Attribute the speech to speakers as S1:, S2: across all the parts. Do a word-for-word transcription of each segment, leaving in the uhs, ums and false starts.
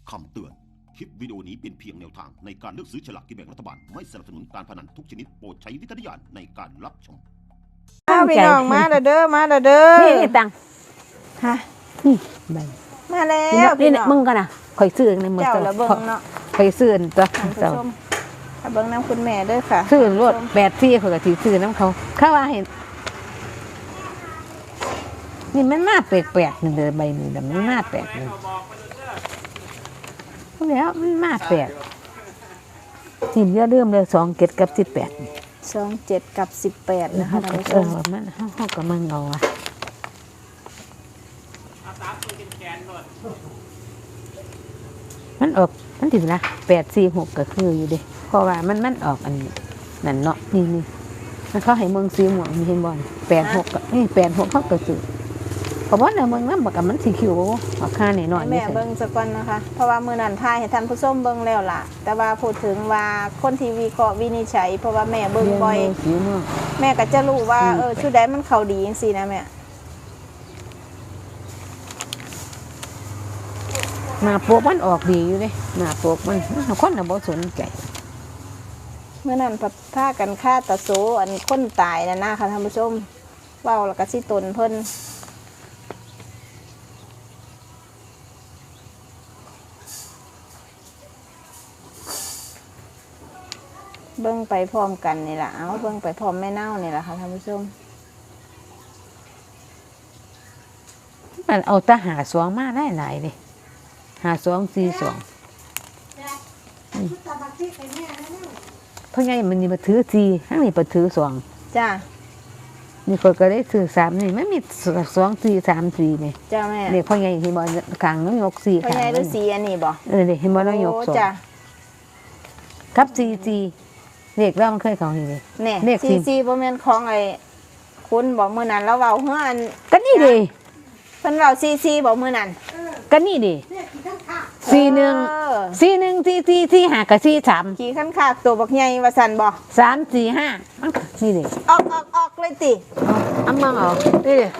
S1: คำเตือนคลิปวิดีโอนี้เป็นเพียงแนวทางในการเลือกซื้อฉลากกินแบ่งรัฐบาลไม่สนับสนุนการพนันทุกชนิดโปรดใช้วิจารณญาณในการรับชม
S2: ข้าวพี่น้องมาเด้อมาเด้อ
S3: นี่นี่ตัง
S2: ฮะ
S3: นี่ใบ
S2: มาแล้ว
S3: นี่มึงกันนะข่อยซื้อในมือ
S2: เจ้าละเบิ่งเนาะ
S3: ข่อยซื้อตัว
S2: เจ้าเบิ่งน้ำคุณแม่เด้อค่ะ
S3: ซื้อรถแปดที่ข่อยก็สิซื้อน้ำเขาข้าว่าเห็นนี่มันมาแปลกๆนี่เด้อใบนี้ดำมันมาแปลกนี่แล้วมันมาแปลกนี่เยอะเริ่มเลยสองเจ็ดกับสิบแปด
S2: สองเจ็ดกับสิบแปดนะคะท่านผู้ชม
S3: มันเขาก็มันเงาอ่ะมันออกมันถึงนะแปดสี่หกก็คืออยู่ดิเพราะว่ามันมันออกอันนั่นเนาะนี่นี่มันเขาให้เมืองสีม่วงมีเห็นบอลแปดหกกับนี่แปดหกเขาก็ซื้อเพราะว่าในเมืองนั้นบอกกับมันสีคิวออกค่าหน่อยหน่อย
S2: แม่เบิ้งสักวันนะคะเพราะว่ามือนันทายให้ท่านผู้ชมเบิ้งแล้วล่ะแต่ว่าพูดถึงว่าคนทีวีก็วินิจฉัยเพราะว่าแม่เบิ้งบ่อยแม่ก็จะรู้ว่าเออชุดใดมันเขาดีจริงๆนะแม่
S3: หน้าปกมันออกดีอยู่เลยหน้าปกมันคนน่ะบ่สนใจ
S2: เมื่อนั้นพัดผ้ากันฆ่าตะโซอันคนตายนะนะค่ะท่านผู้ชมเว้าแล้วก็สิตนเพิ่นเบิ้งไปพร้อมกันนี่แหละเอาเบิ้งไปพร้อมแม่เน่านี่แหละค่ะท่านผู้ชม
S3: มันเอาตาหาสวงมาได้หลายเลยหาสวงสี่สวงเพราะไงมันนี่มาถือสี่ทั้งนี้มาถือสวง
S2: จ้า
S3: นี่คนก็ได้ถือสามนี่ไม่มีสวงสี่สามสี่เนี่ย
S2: จ้าแม่
S3: เนี่ยเพราะไงเห็นบอลกลางน้องยกสี่
S2: เพราะไงฤาษีอันนี้บ่
S3: เออเนี่ยเห็นบอลน้องยกสองกับสี่สี่เด็กเรามันเคยของนี่
S2: เลยเนี่ยซีซีบ่แม่นของไอ้คุณบอกมื้อนั้นเราเว้าเฮือน
S3: ก็นี่ดิ
S2: เพิ่นเว้าซีซีบอกมื้อนั้น
S3: ก็นี่ดิสี่หนึ่งสี่หนึ่งสี่สี่สี่ห้ากับสี่สาม
S2: ขี่ขั้นขาดตัวบักใหญ่ว่าซั่นบ่
S3: สามสี่ห้านี่ดิ
S2: ออกออกออกเลยติ
S3: เอามาเอานี่ดิ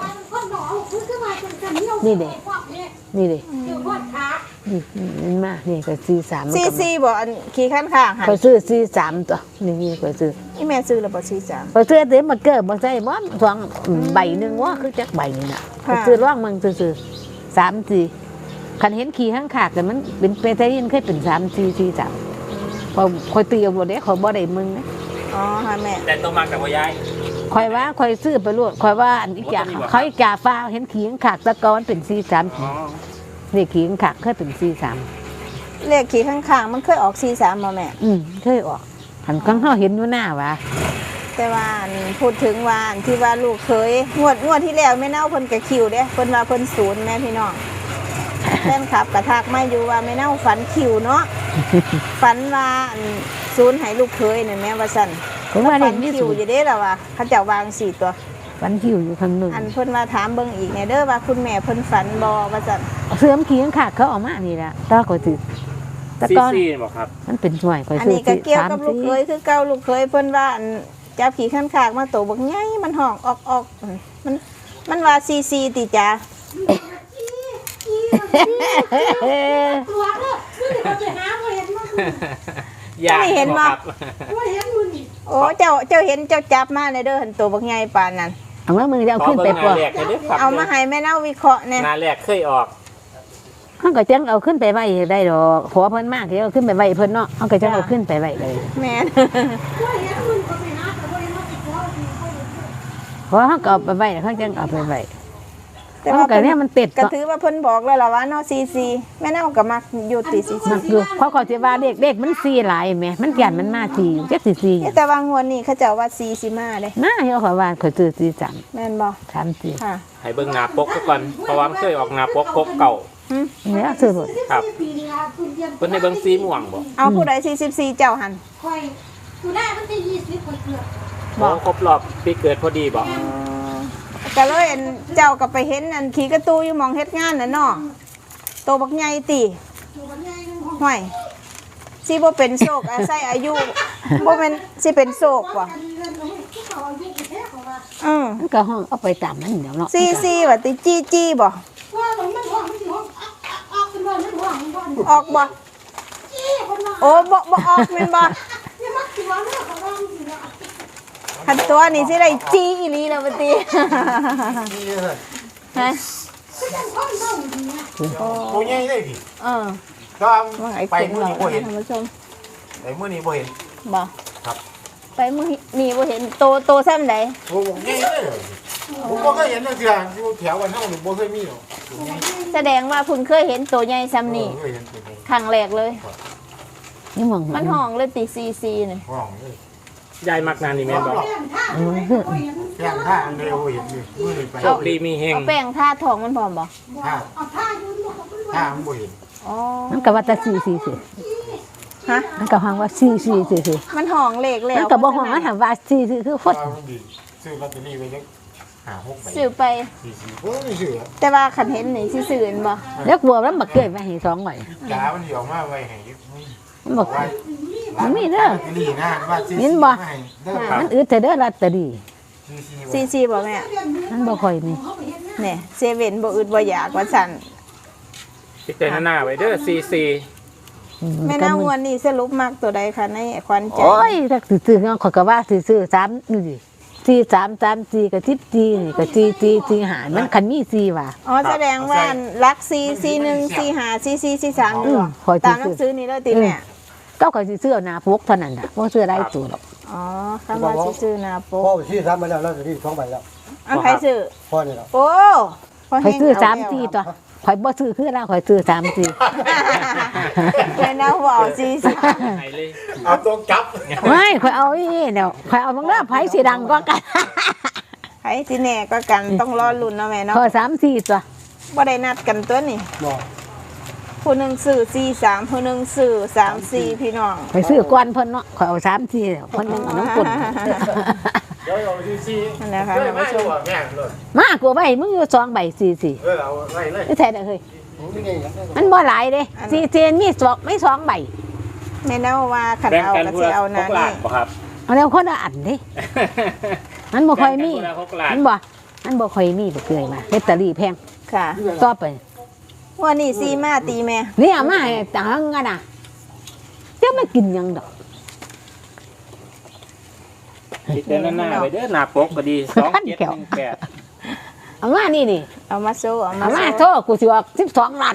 S3: นี่ดินี่ดินี่มันมานี่ก็สี่สาม
S2: สี่สี่บ่อันขี่ขั้นข้างหัน
S3: ก็ซื้อสี่สามตัวนี่นี่ก็ซื้อ
S2: นี่แม่ซื้อแล้วบ่สี่สาม
S3: ก็ซื้อเต็มมาเกิดบ่ใช่บ่สองใบหนึ่งว่าคือจักใบนี่น่ะก็ซื้อร่องมึงซื้อสามสี่คันเห็นขี่ข้างขาดแต่มันเป็นเปเตอร์ยินเคยเป็นสามสี่สี่สามพอคอยตีเอาบ่ได้คอยบ่ได้มึงนะ
S2: อ๋อค่ะแม่
S4: แต่ตัวมากับว่ายาย
S3: คอยว่าคอยซื้อไปรวดคอยว่าอันอีกอย่างเขาอีกาฟ้าเห็นขี่ข้างขาดตะกอนเป็นสี่สามนี่ขี่ข้างขาดเคยเป็นสี่สาม
S2: เลขขี่ข้างๆมันเคยออกสี่สามบ่แม่
S3: อืมเคยออกหันข้างเขาเห็นอยู่หน้าวะ
S2: แต่ว่าพูดถึงว่าที่ว่าลูกเคยงวดงวดที่แล้วแม่เน่าเพิ่นกะคิวเด้เพิ่นว่าเพิ่นศูนย์แม่พี่น้องแฟนคลับกระทักมาอยู่ว่าแม่เน่าฝันคิวเนาะฝันว่าศูนย์ให้ลูกเคยนี่แม่ว่าซั่น
S3: ผมว่า
S2: ฝันคิวอยู่เด้ล่ะว่าเขาเจ้าวางสี่ตัว
S3: ฝันคิวอยู่ข้างนึง
S2: อันเพิ่นว่าถามเบิ่งอีกแน่เด้อว่าคุณแม่เพิ่นฝันบ่ว่าซั่น
S3: เสื่อมขี่ข้างขาดเขาออกมานี่ล่ะตาก็สิ
S4: ตะกอนบ่ครับ
S3: มันเป็นห่วยข่อย
S2: ซื้ออันนี้ก็เกี่ยวกับลูกเคยคือเก่าลูกเคยเพิ่นว่าจับขี่ข้างขากมาโตบักใหญ่มันห้องออกออกมันมันว่าซีซีติจ้า
S5: ตัวเด้อไม่ได้หาบ่เห็นมั้ง
S4: อยาก
S2: เห็น
S4: บ่
S5: บ่เห็นมื้อนี้
S2: โอ้เจ้าเจ้าเห็นเจ้าจับมาเลยเด้อหันโตบักใหญ่ปานนั้น
S3: เอามามือจะเอาขึ้นไปปล่อย
S2: เอามาให้แม่เน่าวิเคราะห์แน่
S4: หน้าแรกเคยออก
S3: เฮาก็จังเอาขึ้นไปไว้ได้ดอกขอเพิ่นมากที่เอาขึ้นไปไว้เพิ่นเนาะเฮาก็จังเอาขึ้นไปไว้เลย
S2: แม่น
S5: บ่เห็นมื้อก็ไปหาแต่บ่เห็นว่าสิขอสิ
S3: ขอเฮาก็เอาไปไว้เฮาจังเอาไปไว้
S2: แต่ว่าเนี่ยมันติดก็ถือว่าเพิ่นบอกแล้วล่ะว่าเนาะซีซีแม่เน่าก็มักอยู่ติซีซี
S3: มักอยู่เพราะเขาสิว่าเด็กเด็กมันซีหลายแม่มันยันมันมาทีอยู่จักสิซี
S2: แต่ว่างวดนี้เขาเจ้าว่าซีสิมาเด้
S3: น่าเฮาขอว่าเขาซื้อซีสาม
S2: แม่นบ่
S3: สามสี่
S2: ค่ะ
S4: ให้เบิ่งหน้าปกก่อนเพราะว่ามันเคยออกหน้าปกปกเก่า
S3: เนี่ยซื้อหมด
S4: ครับเพิ่นให้เบิ่งสีม่วงบ่
S2: เอาผู้ใดสี่สิบสี่เจ้าหั่น
S5: ค่อยอยู่ได้มันจะยี่สิบข่อยเกือบ
S4: บ่ครบรอบปีเกิดพอดีบ่
S2: ก็เลยเจ้าก็ไปเห็นอันขี่กระตูอยู่มองเฮ็ดงานน่ะเนาะโตบักใหญ่ติห่วยสิบ่เป็นโศกอาศัยอายุบ่แม่นสิเป็นโศกบ่อือ
S3: มันก็ห้องเอาไปตามมันเดี๋ยวเนาะ
S2: ซีซีว่าติจี้จี้บ่
S5: ว่ามันห้องมันสิห้องออกเป็นบ่มันห้องมันบ่
S2: ออกบ่โอ้บ่บ่ออกแม่นบ่คันตัวนี่สิได้จีอีหลีแล้วบัดนี้ฮะ
S6: โอ้ยได้ดิ
S2: เออ
S6: ก็
S2: ว่าไอ้
S6: ไป
S2: เก่ง
S6: มื้อ
S2: เรา
S6: นี้บ่เห็น
S2: ท่านผู้ชม
S6: ไปมื้อนี้บ่เห็น
S2: บ่
S6: ครับ
S2: ไปมื้อนี่บ่เห็นโตโตซ้ำใด
S6: โอ้โหใหญ่เลยผมบ่เคยเห็นจังซี่อยู่แถววันเฮานี่บ่เคยมีหรอก
S2: แสดงว่าคุณเคยเห็นโตใหญ่ซ้ำนี่
S6: เคยเห็นตัวนี้
S2: ครั้งแรกเลย
S3: นี่มอง
S2: มันห้องเลยติซีซีนี่
S6: ห้องเลย
S4: ยายมักนานนี่แม่นบอก
S6: แย่งท่าอันเดียวเห็นอยู่มื้อนี้ไป
S4: โชคดีมีเฮง
S2: เอาแป้งทาทองมันพร้อมบ่
S6: ท่าท่ามันบ่เห็น
S2: อ๋อ
S3: มันก็ว่าแต่สี่สี่สิ
S2: ฮะ
S3: มันก็ห้องว่าสี่สี่สิสิ
S2: มันห้องเลขแล้ว
S3: มันก็บอกห้องว่าถามว่าสี่สิคือฟด
S6: ว่ามันดีซื้อลอตเตอรี่ไว้จักห้าหกใบ
S2: ซื้อไป
S6: สี่สิบโอ้ยซื้อ
S2: แต่ว่าคันเห็นนี่สิซื้อเห็นบ่
S3: แล้วกลัวแล้วบักเกยมาให้สองใบ
S6: จ๋ามันสิออกมาไว้ให้
S3: มันบอก
S6: ไว้
S3: มันมีเด้อ
S6: ลอตเตอรี่นะว่าสี่
S3: เห็
S6: สิ
S3: น
S6: บ
S3: บ่
S6: ให้เด้อ
S3: มันอึดแต่เด้อลอตเตอรี่
S6: สี่สิบ
S2: ซีซีบ่แม่
S3: มันบ่ค่อยมี
S2: เนี่ยเซเว่นบ่อึดบ่อยากว่าซั่น
S4: พิจารณาไว้เด้อซีซี
S3: อื
S2: แม่
S3: ก็
S2: นาง
S3: มึ
S2: วันนี้สรุปมักตัวใดคะในขวัญใจ
S3: โอ้ยถ้าซื้อๆเงาข่อยก็ว่าซื้อๆสามนี่ดิสี่สามสามสี่กับทิพจีนี่กับจีจีจีหามันคันมีสี่ว่ะ
S2: อ๋อแสดงว่ารักซีซีหนึ่งซีห้าซีซีซีสาม
S3: อื
S2: นี่
S3: ม
S2: บ่
S3: ขอ
S2: ตามห
S3: ซื้
S2: นั
S3: อง
S2: สือนี่เลยติแม่
S3: ก็ข่อยสิซื้อเอาหน้าปกเท่านั้นน่ะบ่ซื้อได้ตัวหรอก
S2: อ๋อคำว่าสิซื้อหนาโป๊
S7: พ่อที่ทำมาแล้วเราจะที่สองใบแล้ว
S2: อันใครซื้อ
S7: พ่อนี่แหละ
S2: โอ้พ
S3: ข่อยซื้อ
S2: เฮง
S3: สาม
S2: เแล้ว
S3: สี่ตัวข่อยบ่ซื้อคือเราข่อยซื้อสามสี่
S2: แม่นางว่าเอาซีซี
S4: ไหนเลย
S6: เอาตัวจับ
S3: ไม่ข่อยเอาอีเดี๋ยวข่อยเอาบางเรื่องไผสิดังก็กัน
S2: ใครสิแน่ก็กันต้องรอลุ้นเนาะแม่เนาะ
S3: ข่อยสามสี่ตัว
S2: บ่ได้นัดกันตัวนี่
S7: บอก
S2: ผู้หนึงซื้อซีสามผู้หนึงซื้อสามสี่พี่น้อง
S3: ข่อยซื้อก่อนเพิ่นเนาะข่อยเอาสามสี่เพิ่นนึงเอาน้ำปุ่น
S6: เดี๋ยวเอาซีซี
S2: นั่นแหละค่ะ
S6: เฮ้ย
S2: ท่าน
S6: ไม่
S2: ผู้ช
S6: รู้
S2: ม
S6: อ่ะแม่เลย
S3: มากกว่าใบมึงอยู่สองใบสี่สี่
S6: เออเอาไว้เลย
S3: ไม่ใช่เด้อเฮ้ย
S7: ไม่ไงครับ
S3: มันบ่หลายเด้สี่สี่มีสองไม่สองใบ
S2: แม่นางว่าคัน
S4: แบ่ง
S2: เอา
S4: กัน
S2: ก็
S4: พู
S2: สิ
S4: ละ
S2: เอา
S4: ห
S2: นะ
S4: กล้า
S2: นี่
S4: นบ่ครับ
S3: เอาแล้วคนละอันเด้มันบ่ค่อยมี
S4: แบ่งกันพูละหกล้าน
S3: มันบ่มันบ่ค่อยมีบ่เกยมาลอตเตอรี่แพง
S2: ค่ะ
S3: ต่อไป
S2: วันนี้ซีมาตีแม่
S3: นี่เอามาให้ตังกันน่ะเจ้าไม่กินหยังดอก
S4: พิจารณาไว้เด้อหน้าปกก็ดีสองเจ็ดหนึ่งแปด
S3: เอามานี่นี่
S2: เอามาโซ่เอามา
S3: เอามา
S2: โซ่
S3: โทษกูสิออกสิบสองล้าน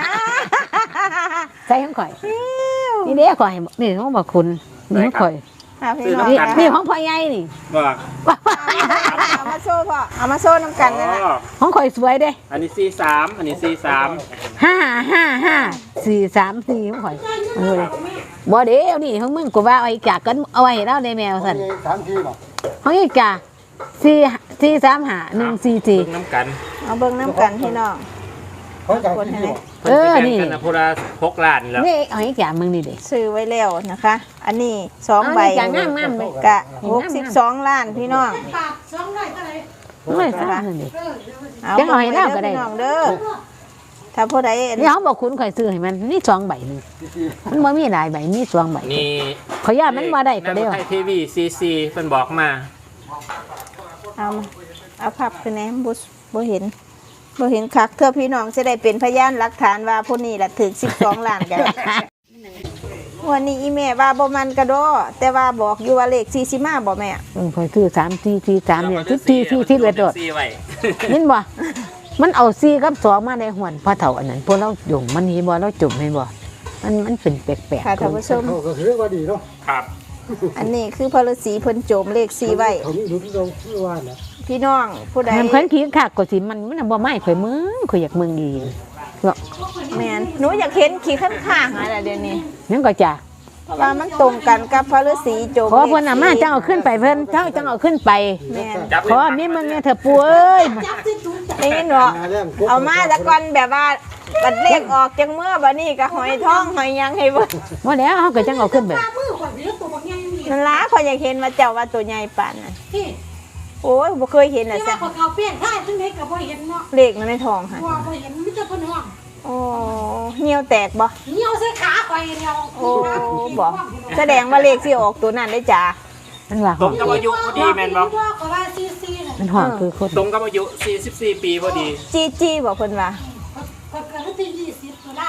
S3: ใส่ของข่อยนี่เด้ข่อยนี่ของบ่คุณนี่ของข่อย
S2: หาพี่น้อง
S3: นี่
S2: นะ
S3: นี่ของพ่อใหญ่นี่
S4: บอก
S2: เอามาโซ่พ่อเอามาโซ่น้ำกันนั่นแหละ
S4: อ๋อ
S3: ของข่อยสวยเด้
S4: อันนี้ซีสามอันนี้ซีสาม
S3: ห้าห้าห้าสี่สามสี่ของข่อยเออบ่เดี๋ยวนี่ของมึงกูว่าเอาไอ้จากกันเอาไว้ให้เราได้แมวสั่น
S7: สามทีบอก
S3: ของไอ้จ่าสี่สี่สามห้าหนึ่งสี่สี่
S4: เบิ่งน้ำกัน
S2: เอาเบิ้งน้ำกันพี่น้อง
S7: เขาจะทีบอก
S3: เออนี่
S4: พิ่สิแบ่งกันนะพูละหกล้านแล้ว
S3: นี่เอาไอ้จ่ามึงนี่เด้
S2: ซื้อไว้แล้วนะคะ อันนี้สองใบ
S3: จ่างามงามเลย
S2: กะหกสิบสองล้านพี่น้อง
S5: ปากสองร้อยเท่าไหร่
S3: ไม่ทราบนี่
S5: เออ
S2: เอา
S3: จังเอาให้เราก็ได้
S2: พี่น้องเด้อถ้าผู้ใด
S3: นี่เขาบอกคุณข่อยซื้อให้มันนี่สองใบนึงมันบ่มีหลายใบมีสองใบ
S4: นี่
S3: ขอยย่ามันมาได้ก็ได้
S4: ไทยทีวีซีซีเพิ่นบอกมา
S2: เอามาเอาพับคือแหนมบุบ่เห็นบ่เห็นคักเพื่อพี่น้องจะได้เป็นพยานหลักฐานว่าผู้นี้ละถึงสิบสองล้านกัน วันนี้อีแม่ว่าบ่มันกระโดดแต่ว่าบอกอยู่ว่าเลขสี่สิมาบ่แม่
S3: เออข่อยซื้อสามสี่สี่สามเนี่ยที่ที่ที่ที่เวดโดด
S4: ซีไว้
S3: ยินบ่มันเอาสี่กับสองมาในหวนพอเฒ่าอันนั้นพวกเราจุ่มมันนี่บ่เราจุ่มเห็นบ่มันมันเป็นแปลก
S2: ค่ะท่านผู้ชม
S7: เขาก็คือว่าดีเนาะ
S4: ครับ
S2: อันนี้คือพระฤาษีเพิ่นโจมเลขสี่ไว้
S7: เขาไม่รู้ที่เราที่ว่านะ
S2: พี่น้องผู้ใด
S3: ๆมันเพิ่นขี้ขากก็สิมันมันบ่ไม่ข่อยมึงข่อยอยากมึงดี
S2: แม่นหนูอยากเห็นขี้ข้างข้างอะไรเดี๋ยวนี้
S3: นั่นก็จ้ะ
S2: ว่ามันตรงกันกับพระฤาษีโจม
S3: ขอเพิ่นน่ะมาจังเอาขึ้นไปเพิ่นเจ้าจังเอาขึ้นไป
S2: แม่น
S4: จับ
S3: ขอมีมึงเนี่ยเถอะปู่เอ้ย
S5: จับสิถุงจับ
S2: ได้ยินบ่
S7: นาแรง
S2: เอามาแต่ก่อนแบบว่าบัดเลขออกจังเมื่อบัดนี้ก็หอยทองหอยหยังให้เบิ่ง
S3: บ่แล้วเฮาก็จังเอาขึ้นไป
S5: ปลามือข่อยเลือตัวบางอย่างนี่
S2: นั่นล่ะข่อยอยากเห็นว่าเจ้าว่าตัวใหญ่ปานนั้น
S5: ที่
S2: โอ้ยบ่เคยเห็นน่ะ
S5: ที่
S2: ซะ
S5: ว่าข่อยเอาเปี้ยนท่าซึ่งเด็กกับบ่เห็นเนาะ
S2: เลขมันในทองค่ะ
S5: ว่าบ่เห็นมิจะพนห้อง
S2: โอ้เหี่ยวแตกบ่
S5: เหนียวใส่ขาข่อยเดียว
S2: โอ้บ่แสดงว่าเลขสิออกตัวนั้นได้จ้า
S3: มันว่า
S4: ตรงกับอายุพอดีแม่นบ่
S5: ก็ว่าซีซีน่ะ
S3: มันห้องคือคน
S4: ตรงกับอายุสี่สิบสี่ปีพอดี
S2: จีจีบ่เพิ่นว่า
S5: ข่อยเกิดวันที่ยี่สิบตุลา
S2: อ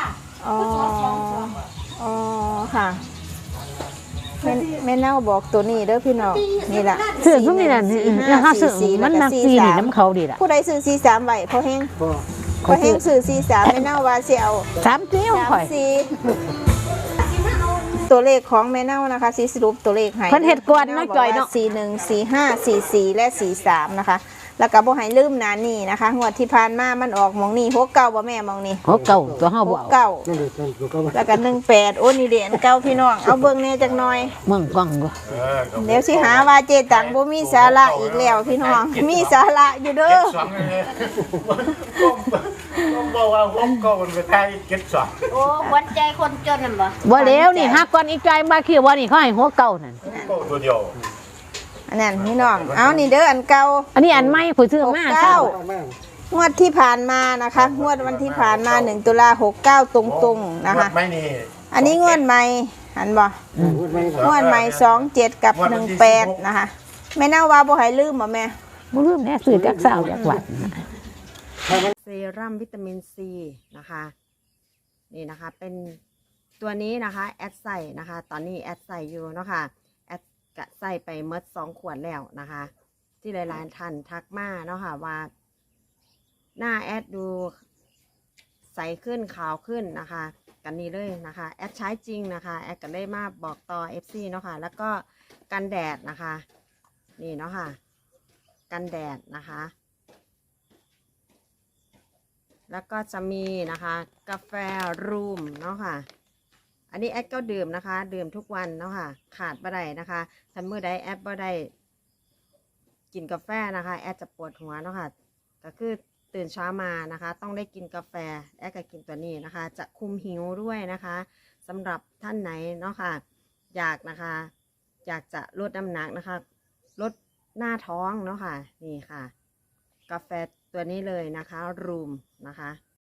S2: อ๋ออ๋อค่ะแม่แม่เน่าบอกตัวนี้เด้อพี่น้องนี่ล่ะ
S3: ซื้อซุมนี่น่ะราคาซื้อมันมักซีนี่น้ำเขาดีล่ะ
S2: ผู้ใดซื้อสี่สามไว้พอแห้ง
S7: ก็
S2: พอแห้งซื้อสี่สามแม่เน่าว่าสิเอา
S3: สามเที่ยว
S2: สาม
S3: ข่อย
S2: สี่ตัวเลขของแม่เน่านะคะสีสรุปตัวเลขให้
S3: เพิ่นเฮ็ดก่อนเนาะจ่อยเนาะ
S2: สี่หนึ่งสี่ห้าสี่สี่และสี่สามนะคะแล้วก็บ่ให้ลืมหนานี่นะคะงวดที่ผ่านมามันออกหมองนี่หกเก้าบ่แม่หมองนี่
S3: โอ้เก่าตัวเฮา
S2: ห
S3: บ่
S2: ก
S3: เอา
S2: เก้า
S7: นั่นเลยนั่นก็ว่า
S2: แล้วก็หนึ่งแปดโอ้นี่เด่นเก้าพี่น้องเอาเบิ่งแน่จักหน่อย
S3: เมืองกล้องบ่
S6: เออก็
S2: เดี๋ยวสิหาว่าเจตังบ่มีสาระอีกแล้วพี่น้องมีสาระอยู่เด้
S6: เก็
S2: อ
S6: ดสองเลยผมบอกว่าผมก็มันไปไทยเก็ดสอง
S5: โอ้วัดใจคนจนนั่นบ่
S3: บ่แล้วนี่ฮักก่อนอีกใจมาคิดว่านี่เขาให้หัวเก่านั่น
S6: ก็ตัวเดียว
S2: อันนั้นพี่น้องเอานี่เด้ออันเก่า
S3: อันนี้อันใหม่ผู้ซื้อมา
S2: หกเก้า
S7: มาก
S2: งวดที่ผ่านมานะคะงวดวันที่ผ่านมาหนึ่งตุลาหกเก้าตรงๆนะคะ
S6: ไม่นี่
S2: อันนี้งวดใหม่หันบ่
S7: พูดไม่
S2: งวดใหม่สองเจ็ดกับหนึ่งแปดนะคะแม่น่าว่าบ่ให้ลืมบ่แม่
S3: บ่ลืมแน่ซื้อจักเช้าจักวัด
S8: เซรั่มวิตามินซีนะคะนี่นะคะเป็นตัวนี้นะคะแอดใส่นะคะตอนนี้แอดใส่อยู่เนาะค่ะแอดกะใส่ไปเมดสองขวดแล้วนะคะ ที่หลายๆท่านทักมาเนาะค่ะว่าหน้าแอดดูใสขึ้นขาวขึ้นนะคะกันนี้เลยนะคะแอดใช้จริงนะคะแอดก็ได้มาบอกต่อ เอฟ ซี เนาะค่ะแล้วก็กันแดดนะคะนี่เนาะค่ะกันแดดนะคะแล้วก็จะมีนะคะกาแฟรูมเนาะค่ะอันนี้แอดก็ดื่มนะคะดื่มทุกวันเนาะค่ะขาดบ่ได้นะคะถ้ามื้อใดแอดบ่ได้กินกาแฟนะคะแอดจะปวดหัวเนาะค่ะก็คือตื่นเช้ามานะคะต้องได้กินกาแฟแอดก็กินตัวนี้นะคะจะคุมหิวด้วยนะคะสำหรับท่านไหนเนาะค่ะอยากนะคะอยากจะลดน้ำหนักนะคะลดหน้าท้องเนาะค่ะนี่ค่ะกาแฟตัวนี้เลยนะคะรูมนะคะ